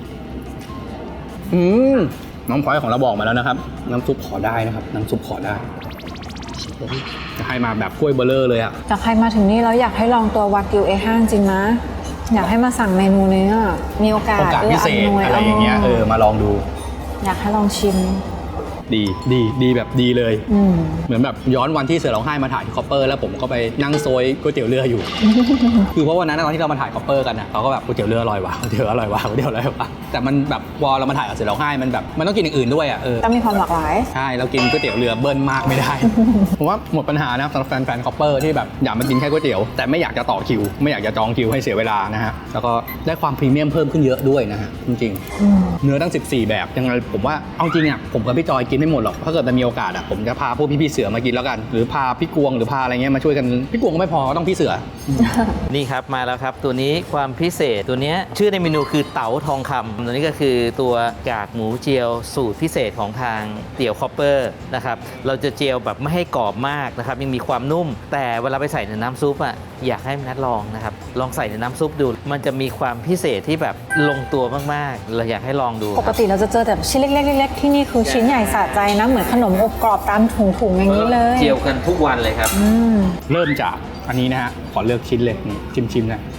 A: อืมน้องพลอยของเราบอกมาแล้วนะครับ น้ำซุปขอได้นะครับ น้ำซุปขอได้จะให้มาแบบกล้วยเบลเลอร์เลยอ่ะ
B: แต่ใครมาถึงนี่แล้วอยากให้ลองตัววากิว เอ ห้า จริงนะ อยากให้มาสั่งเมนูนี้อะมีโอกาส
A: โอกาสพิเศษ
B: อำนวย
A: อะไรอย่างเงี้ยเออมาลองดู
B: อยากให้ลองชิม
A: ดีดีดีแบบดีเลย
B: อืม
A: เหมือนแบบย้อนวันที่เสือร้องไห้มาถ่ายที่คอปเปอร์แล้วผมก็ไปนั่งโซยก๋วยเตี๋ยวเรืออยู่ คือเพราะวันนั้นตอนที่เรามาถ่ายคอปเปอร์กันอ่ะเขาก็แบบก๋วยเตี๋ยวเรืออร่อยว่ะก๋วยเตี๋ยวอร่อยว่ะก๋วยเตี๋ยวอร่อยว่ะแต่มันแบบพอเรามาถ่ายกับเสือร้องไห้มันแบบมันต้องกินอย่างอื่นด้วยอ่ะเออ
B: ต้องมีความหลากหลาย
A: ใช่เรากินก๋วยเตี๋ยวเรือเบิ้ลมากไม่ได้ ผมว่าหมดปัญหานะสำหรับแฟนๆคอปเปอร์ที่แบบอยากมากินแค่ก๋วยเตี๋ยวแต่ไม่อยากจะต่อคิว ไม่อยากจะจองคิวให้เสียเวลานะฮะแล้วก็ได้ความพรีเมียมเพิ่มขึ้นเยอะด้วยนะฮะจริงๆ
B: อืม
A: เนื้อตั้งสิบสี่แบบยังไงผมว่าเอาจริงอ่ะผมกับพี่จอยกินไม่หมดหรอกถ้าเกิดมันมีโอกาสอ่ะผมจะพาพวกพี่ๆเสือมากินแล้วกัน หรือพาพี่กวงหรือพาอะไรเงี้ยมาช่วยกันพี่กวงก็ไม่พอก็ต้องพี่เสือ
F: นี่ครับมาแล้วครับตัวนี้ความพิเศษตัวเนี้ยชื่อในเมนูคือเต๋าทองคำตัวนี้ก็คือตัวกากหมูเจียวสูตรพิเศษของทางเตี๋ยวคอปเปอร์นะครับเราจะเจียวแบบไม่ให้กรอบมากนะครับยังมีความนุ่ม แต่เวลาไปใส่ในน้ำซุปอ่ะอยากให้นัดลองนะครับลองใส่ในน้ำซุปดู มันจะมีความพิเศษที่แบบลงตัวมากๆเราอยากให้ลองดู
B: ป
F: ค
B: ก
F: รับ
B: ติเราจะเจอแต่ชิ้นเล็กๆเล็กๆที่นี่คือชิ้นใหญ่สะใจนะ เหมือนขนมอบกรอบตามถุงๆอย่างนี้เลย
F: เจียวกันทุกวันเลยครับ
B: อืม
A: เริ่มจากอันนี้นะฮะขอเลือกชิ้นเลยนี่ชิมๆนะ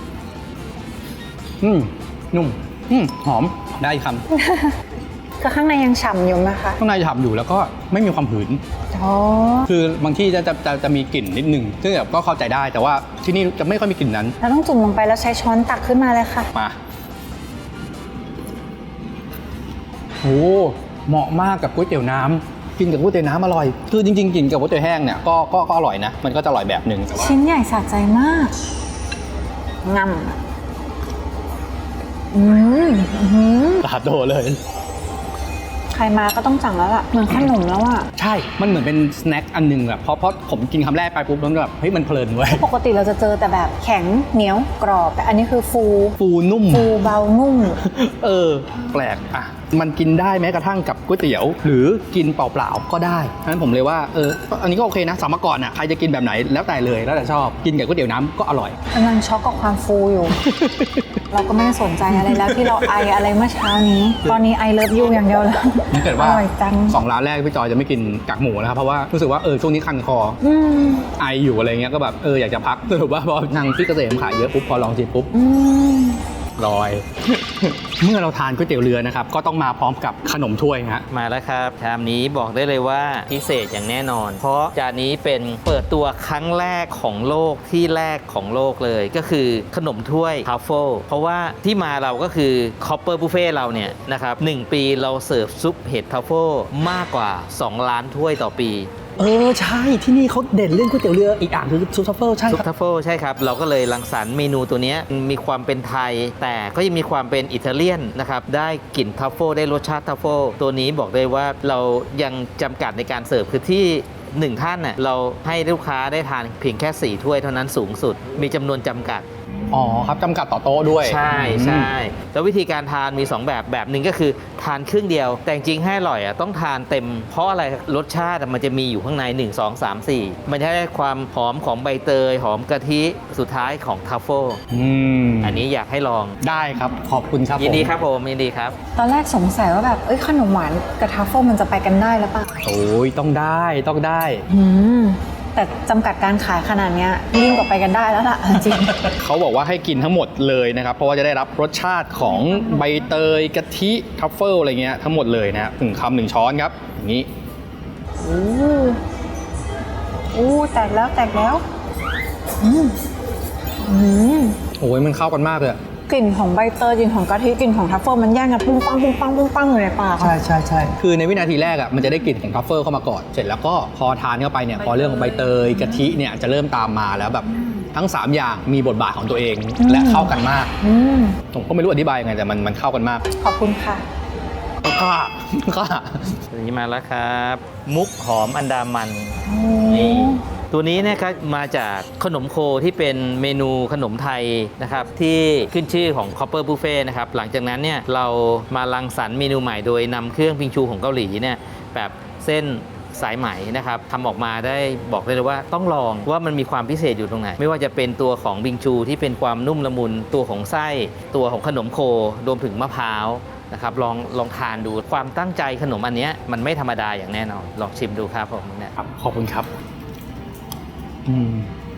A: อืมนุ่มอืมหอมได้อีกคำ
B: ก็ข้างในยังฉ่ำอยู่ไหมคะ
A: ข้างในฉ่ำอยู่แล้วก็ไม่มีความหืน
B: อ๋อ
A: คือบางที่จะจะจะจะมีกลิ่นนิดนึงซึ่งแบบก็เข้าใจได้แต่ว่าที่นี่จะไม่ค่อยมีกลิ่นนั้น
B: เราต้องจุ่มลงไปแล้วใช้ช้อนตักขึ้นมาเลยค่ะ
A: มาโอ้เหมาะมากกับก๋วยเตี๋ยวน้ำกินกับก๋วยเตี๋ยวน้ำอร่อย คือจริงๆกินกับก๋วยเตี๋ยวแห้งเนี่ยก็ก็ก็อร่อยนะ มันก็จะอร่อยแบบหนึ่งแต่ว่า
B: ชิ้นใหญ่สะใจมากงำอืมอื้อหือ
A: ตาโตเลย
B: ใครมาก็ต้องสั่งแล้วล่ะเหมือนขนมแล้วอ่ะ
A: ใช่ มันเหมือนเป็นสแน็คอันหนึงแบบเพราะเพราะผมกินคำแรกไปปุ๊บแล้วแบบเฮ้ยมันเพลินเว้ย
B: ปกติเราจะเจอแต่แบบแข็งเหนียวกรอบ แต่อันนี้คือฟู
A: ฟูนุ่ม
B: ฟูเบานุ่ม
A: เออ แปลกอ่ะมันกินได้แม้กระทั่งกับก๋วยเตี๋ยว หรือกินเปล่าๆก็ได้ฉะนั้นผมเลยว่าเอออันนี้ก็โอเคนะสามก่อนอ่ะใครจะกินแบบไหนแล้วแต่เลยแล้วแต่ชอบกินกับก๋วยเตี๋ยวน้ำก็อร่อย
B: กำลังช็อกกับความฟูอยู่ เราก็ไม่ได้สนใจอะไรแล้วที่เราไออะไรเมื่อเช้านี้ ตอนนี้ไอเลิฟยูอย่างเดียวแล้ว
A: ถ้าเกิดว่า
B: อร่อยจัง
A: สองร้านแรกพี่จอยจะไม่กินกากหมูนะครับเพราะว่ารู้สึกว่าเออช่วงนี้คันคอ
B: อืม
A: ไออยู่อะไรเงี้ยก็แบบเอออยากจะพักสรุปว่าพอทางพี่เกษมขายเยอะปุ๊บพอลองชิมปุ๊บ
B: อืม
A: ลอย เมื่อเราทานก๋วยเตี๋ยวเรือนะครับก็ต้องมาพร้อมกับขนมถ้วยฮะ
F: มาแล้วครับชามนี้บอกได้เลยว่าพิเศษอย่างแน่นอน เพราะจานนี้เป็นเปิดตัวครั้งแรกของโลกที่แรกของโลกเลย ก็คือขนมถ้วยทัฟเฟิลเพราะว่าที่มาเราก็คือคอปเปอร์บุฟเฟ่เราเนี่ยนะครับหนึ่งปีเราเสิร์ฟซุปเห็ดทัฟเฟิลมากกว่าสองล้านถ้วยต่อปี
A: เออใช่ที่นี่เขาเด่นเรื่องก๋วยเตี๋ยวเรืออีกอย่างคือซุปทัฟเฟิลใช่
F: ซุป
A: ครับ
F: ทัฟเฟิลใช่ครับ เราก็เลยรังสรรค์เมนูตัวเนี้ยมีความเป็นไทย แต่ก็ยังมีความเป็นอิตาเลียนนะครับได้กลิ่นทัฟเฟิลได้รสชาติทัฟเฟิลตัวนี้บอกได้ว่าเรายังจำกัดในการเสิร์ฟคือที่หนึ่งท่านน่ะเราให้ลูกค้าได้ทานเพียงแค่สี่ถ้วยเท่านั้นสูงสุดมีจำนวนจำกัด
A: อ๋อครับจำกัดต่อโต๊ะด้วย
F: ใช่ใช่แล้ววิธีการทานมี สอง แบบแบบหนึ่งก็คือทานครึ่งเดียว แต่จริงๆให้อร่อยอ่ะต้องทานเต็มเพราะอะไรรสชาติมันจะมีอยู่ข้างในหนึ่ง สอง สาม สี่มันจะได้ความหอมของใบเตยหอมกะทิสุดท้ายของทัฟเฟิล
A: อืม
F: อันนี้อยากให้ลอง
A: ได้ครับขอบคุณครับ
F: ยินดี
A: ผม
F: ครับผมยินดีครับ
B: ตอนแรกสงสัยว่าแบบเอ้ยขนมหวานกับทัฟเฟิลมันจะไปกันได้หรือเปล่า
A: โอ้ยต้องได้ต้องได้
B: อืมแต่จำกัดการขายขนาดเนี้ยยิ่งกว่าไปกันได้แล้วล่ะ จริง
A: เขาบอกว่าให้กินทั้งหมดเลยนะครับ เพราะว่าจะได้รับรสชาติของใบเตยกะทิทัฟเฟิลอะไรเงี้ยทั้งหมดเลยนะฮะหนึ่งคำหนึ่งช้อนครับอย่างนี้
B: อู้อู้แตกแล้วแตกแล้วอืมอืม
A: โอ้ยมันเข้ากันมากเลยอะ
B: กลิ่นของใบเตยกลิ่นของกะทิกลิ่นของทัฟเฟิลมันแย่งกันปุ้งปังปุ้งปังปุ้งปังอยู่ในปากอะ
A: ใช่ใช่ใช่คือในวินาทีแรกอ่ะมันจะได้กลิ่นของทัฟเฟิลเข้ามาก่อนเสร็จแล้วก็พอทานเข้าไปเนี่ยพอเรื่องของใบเตยกะทิเนี่ยจะเริ่มตามมาแล้วแบบทั้งสามอย่างมีบทบาทของตัวเองและเข้ากันมาก
B: อืม
A: ผมก็ไม่รู้อธิบายยังไงแต่มันมันเข้ากันมาก
B: ขอบคุณค่ะ
A: ก็ก็
F: อันนี้มาแล้วครับ มุกหอมอันดามันนี่ตัวนี้นะครับมาจากขนมโคที่เป็นเมนูขนมไทยนะครับที่ขึ้นชื่อของ Copper Buffet นะครับหลังจากนั้นเนี่ยเรามารังสรรค์เมนูใหม่โดยนำเครื่องพิงชูของเกาหลีเนี่ยแบบเส้นสายไหมนะครับทำออกมาได้บอกได้เลยว่าต้องลองว่ามันมีความพิเศษอยู่ตรงไหน ไม่ว่าจะเป็นตัวของบิงชูที่เป็นความนุ่มละมุนตัวของไส้ตัวของขนมโครวมถึงมะพร้าวนะครับลองลองทานดูความตั้งใจขนมอันเนี้ยมันไม่ธรรมดาอย่างแน่นอนลองชิมดูครับผมเนี่ย
A: ครับขอบคุณครับอืม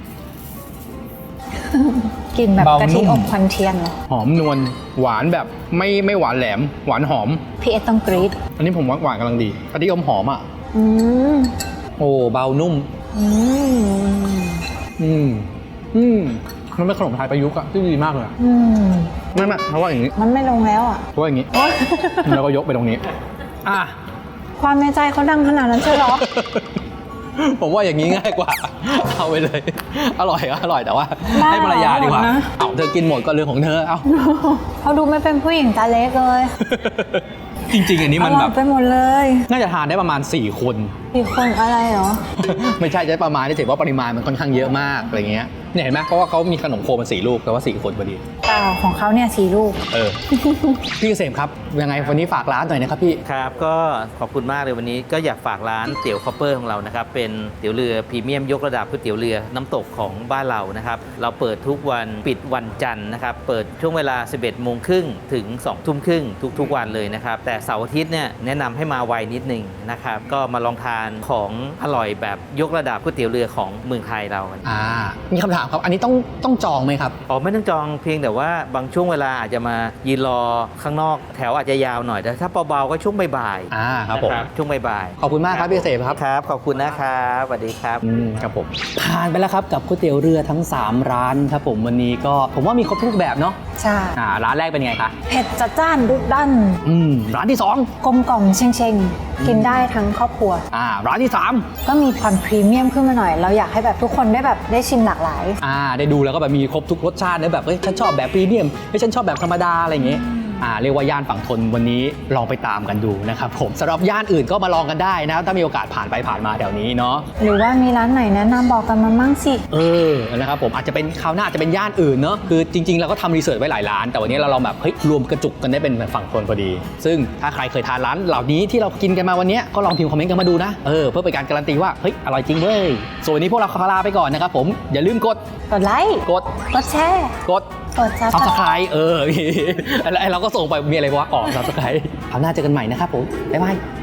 B: กลิ่นแบบ
A: เบาก
B: ะทิ
A: นุ่ม
B: อบควันเทียนเหรอ
A: หอมนวลหวานแบบไม่ไม่หวานแหลม หวานหอม
B: พี่เอสต้องกรี๊ด
A: อันนี้ผมว่าหวานกำลังดีกะทิอมหอมอ่ะ
B: อืม
A: โอ้เบานุ่ม
B: อืม
A: อืมอืมมันเป็นขนมไทยประยุกต์อะที่ดีมากเลยอะ
B: อืม
A: ไม่ไม่เพราะว่าอย่างนี้
B: มันไม่ลงแล้วอ่ะ
A: เพราะว่าอย่างนี้
B: โอ๊ย
A: แล้วก็ยกไปตรงนี้อ่ะ
B: ความในใจเขาดังขนาดนั้นใช่เหรอ
A: ผมว่าอย่างนี้ง่ายกว่า เอาไปเลย อร่อยก็อร่อยแต่ว่า
B: บ้า
A: ให้ภรรยาดีกว่า
B: หมดนะ
A: เอาเธอกินหมดก็เรื่องของเธอเอา
B: เขาดูไม่เป็นผู้หญิงตาเล็กเลย
A: จริง ๆ อันนี้มัน
B: อร่
A: แบ
B: อย
A: บ
B: ไปหมดเลย
A: น่าจะทานได้ประมาณสี่คน
B: อีกคนอะไรเหรอ
A: ไม่ใช่จะประมาณที่ถือว่าปริมาณมันค่อนข้างเยอะมากอะไรเงี้ยเนี่ยเห็นไหมเพราะว่าเขามีขนมโคมันสี่ลูกแต่ว่าสี่คนพอดี
B: เปล่าของเขาเนี่ยสี่ลูก
A: เออ พี่เกษมครับยังไงวันนี้ฝากร้านหน่อยนะครับพี่
F: ครับก็ขอบคุณมากเลยวันนี้ก็อยากฝากร้านเตี๋ยวคอปเปอร์ของเรานะครับเป็นเตี๋ยวเรือพรีเมียมยกระดับก๋วยเตี๋ยวเรือน้ำตกของบ้านเรานะครับเราเปิดทุกวันปิดวันจันทร์นะครับเปิดช่วงเวลา สิบเอ็ดโมงครึ่งถึงสองทุ่มครึ่งทุกๆวันเลยนะครับแต่เสาร์อาทิตย์เนี่ยแนะนำให้มาไวนิดนึงนะครับก็มาลองทานของอร่อยแบบยกระดับก๋วยเตี๋ยวเรือของเมืองไทยเรา
A: อ่ามีคำถามครับอันนี้ต้องต้องจองไหมครับ
F: อ๋อไม่ต้องจองเพียงแต่ว่าบางช่วงเวลาอาจจะมายืนรอข้างนอกแถวอาจจะยาวหน่อยแต่ถ้าเบาๆก็ช่วงบ่ายๆ
A: อ่าครับผม
F: นะช่วงบ่ายๆ
A: ขอบคุณมากครับพี่เกษมครับ
F: ครับ ขอบคุณนะครับสวัสดีครับ
A: อืมครับผมผ่านไปแล้วครับกับก๋วยเตี๋ยวเรือทั้งสามร้านครับผมวันนี้ก็ผมว่ามีครบทุกแบบเนาะ
B: ใช่
A: อ่าร้านแรกเป็นไงคะ
B: เผ็ดจัดจ้านดุดัน
A: อืมร้านที่สอง
B: กลมกล่อมเชงเชงๆกินได้ทั้งครอบครัว
A: อ่าร้านที่สาม
B: ก็มีความพรีเมียมขึ้นมาหน่อย เราอยากให้แบบทุกคนได้แบบได้ชิมหลากหลาย
A: อ่าได้ดูแล้วก็แบบมีครบทุกรสชาตินะแบบเฮ้ยฉันชอบแบบพรีเมียมเฮ้ยฉันชอบแบบธรรมดาอะไรอย่างเงี้ยอ่าเรียกว่าย่านฝั่งทนวันนี้ลองไปตามกันดูนะครับผมสำหรับย่านอื่นก็มาลองกันได้นะถ้ามีโอกาสผ่านไปผ่านมาแถวนี้เนาะ
B: หรือว่ามีร้านไหนแนะนำบอกกันมามั่งสิ
A: เออนะครับผมอาจจะเป็นคราวหน้าอาจจะเป็นย่านอื่นเนาะคือจริงๆเราก็ทำรีเสิร์ชไว้หลายร้านแต่วันนี้เราลองแบบเฮ้ยรวมกระจุกกันได้เป็นฝั่งทนพอดี ซึ่งถ้าใครเคยทานร้านเหล่านี้ที่เรากินกันมาวันนี้ก็ลองพิมพ์คอมเมนต์กันมาดูนะเออเพื่อเป็นการการันตีว่าเฮ้ยอร่อยจริงเว้ยส่วนวันนี้พวกเราขอลาไปก่อนนะครับผมอย่าลืมกด
B: กดไลค์
A: กด
B: กดแชร์
A: กด
B: กดซับ
A: ซับสไครต์เออ ไอ้เราก็ส่งไปมีอะไรวะออกซับสไครต์คราวหน้าเจอกันใหม่นะครับผมบ๊ายบาย